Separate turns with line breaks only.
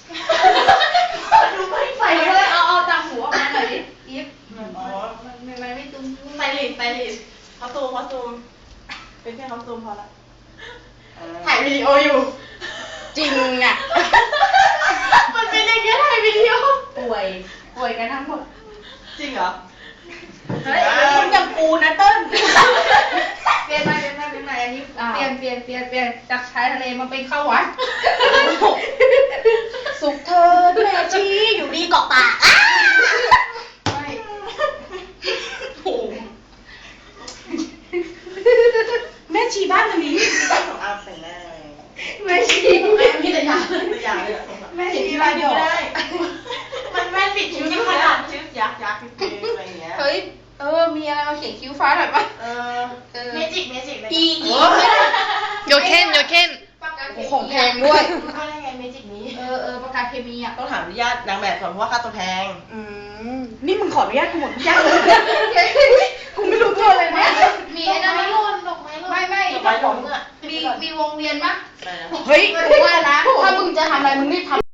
ดูไม่ใส่เลยเอาต่างหูออกมาหน่อยดิอีฟอ๋อไม่ตุ้มไปลิดเขาซูมเป็นแค่เขาซูมพอละถ่ายวิดีโออยู่
จริงอ่ะ
มันเป็นอย่างเงี้ยถ่ายวิดีโอ
ป่วยกันทั้งหมด
จริงเหรอเฮ้ยคุณอย่างกูนะเติ้ลเปลี่ยนมาอันนี้เปลี่ยนจากชายทะเลมาเป็นข้าววัด
สุขเธอแม่ชีอยู่ดีเกาะปาก
ไม่โอ้
แม่ชีบ้านนี้
ของอาใส่แน่
แม่ชี
มีแต่ยาเลย
แม่ชีบ้านนี้ได้
มันแม่ปิดคิ้วที่ขนาดชื่อยักษ์อะไรอย่างเงี้ย
เฮ้ยมีอะไรมาเขียนคิ้วฟ้าหน่อยปะ
เมจิก
อี
โยเคน
ของแพงด้วย
ก็ได้ไงเมจิกนี้
ประกาศเคมีอ่ะ
ต้องถามอนุญาตนางแบบก่อนเพราะว่าค่าตัวแพง
นี่มึงขออนุญาตกูหมดทุกอย่างเลยกูไม่รู้ตัวเลยนะ
มีไอ้นั่นดอกไม้ไม่
ดอกไม้หล่นมีวงเวียนปะเฮ้ยว่านะถ้ามึงจะทำอะไรมึงรีบทำ